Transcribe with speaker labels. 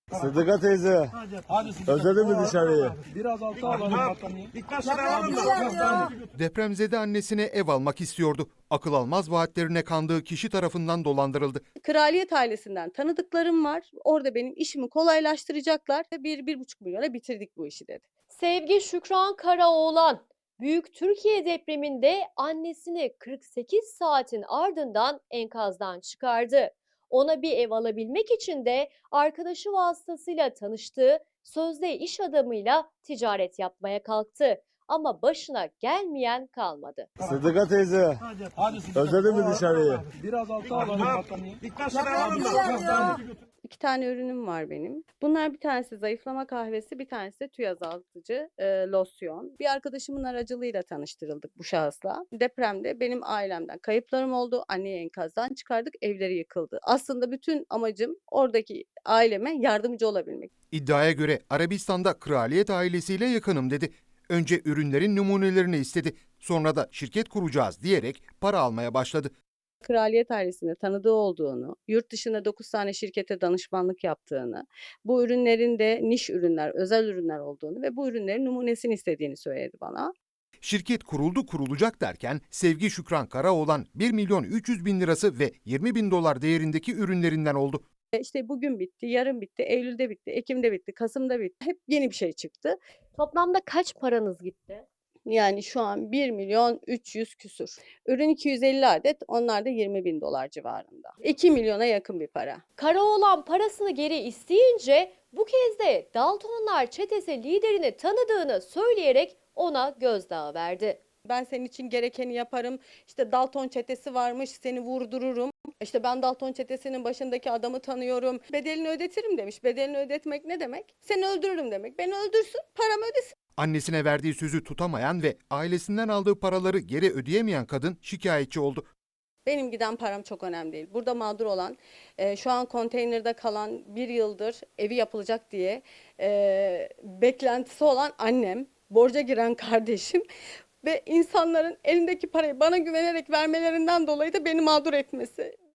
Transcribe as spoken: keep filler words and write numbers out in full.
Speaker 1: Sıdıka teyze,
Speaker 2: Hadi Sıdıka.
Speaker 1: özledin mi dışarıyı?
Speaker 2: Biraz alta alalım battaniye.
Speaker 3: Dikkat alalım da.
Speaker 4: Depremzede annesine ev almak istiyordu. Akıl almaz vaatlerine kandığı kişi tarafından dolandırıldı.
Speaker 5: Kraliyet ailesinden tanıdıklarım var. Orada benim işimi kolaylaştıracaklar. Bir, bir buçuk milyona bitirdik bu işi dedi.
Speaker 6: Sevgi Şükran Karaoğlan, Büyük Türkiye depreminde annesini kırk sekiz saatin ardından enkazdan çıkardı. Ona bir ev alabilmek için de arkadaşı vasıtasıyla tanıştığı sözde iş adamıyla ticaret yapmaya kalktı. Ama başına gelmeyen kalmadı.
Speaker 1: Sıdıka teyze,
Speaker 2: Hadi Sıdıka.
Speaker 1: özledin mi dışarıyı?
Speaker 2: Biraz alta alalım battaniye.
Speaker 3: Dikkat alalım da.
Speaker 5: İki tane ürünüm var benim. Bunlar bir tanesi zayıflama kahvesi, bir tanesi de tüy azaltıcı e, losyon. Bir arkadaşımın aracılığıyla tanıştırıldık bu şahısla. Depremde benim ailemden kayıplarım oldu. Anneyi enkazdan çıkardık, evleri yıkıldı. Aslında bütün amacım oradaki aileme yardımcı olabilmek.
Speaker 4: İddiaya göre Arabistan'da kraliyet ailesiyle yakınım dedi. Önce ürünlerin numunelerini istedi. Sonra da şirket kuracağız diyerek para almaya başladı.
Speaker 5: Kraliyet ailesinde tanıdığı olduğunu, yurt dışında dokuz tane şirkete danışmanlık yaptığını, bu ürünlerin de niş ürünler, özel ürünler olduğunu ve bu ürünlerin numunesini istediğini söyledi bana.
Speaker 4: Şirket kuruldu kurulacak derken Sevgi Şükran Karaoğlan bir milyon üç yüz bin lirası ve yirmi bin dolar değerindeki ürünlerinden oldu.
Speaker 5: E İşte bugün bitti, yarın bitti, Eylül'de bitti, Ekim'de bitti, Kasım'da bitti. Hep yeni bir şey çıktı.
Speaker 6: Toplamda kaç paranız gitti?
Speaker 5: Yani şu an bir milyon üç yüz küsür. Ürün iki yüz elli adet, onlar da yirmi bin dolar civarında. iki milyona yakın bir para.
Speaker 6: Karaoğlan parasını geri isteyince bu kez de Daltonlar çetesi liderini tanıdığını söyleyerek ona gözdağı verdi.
Speaker 5: Ben senin için gerekeni yaparım. İşte Dalton çetesi varmış, seni vurdururum. İşte ben Dalton çetesinin başındaki adamı tanıyorum. Bedelini ödetirim demiş. Bedelini ödetmek ne demek? Seni öldürürüm demek. Beni öldürsün, paramı ödesin.
Speaker 4: Annesine verdiği sözü tutamayan ve ailesinden aldığı paraları geri ödeyemeyen kadın şikayetçi oldu.
Speaker 5: Benim giden param çok önemli değil. Burada mağdur olan, e, şu an konteynerde kalan, bir yıldır evi yapılacak diye e, beklentisi olan annem, borca giren kardeşim ve insanların elindeki parayı bana güvenerek vermelerinden dolayı da beni mağdur etmesi.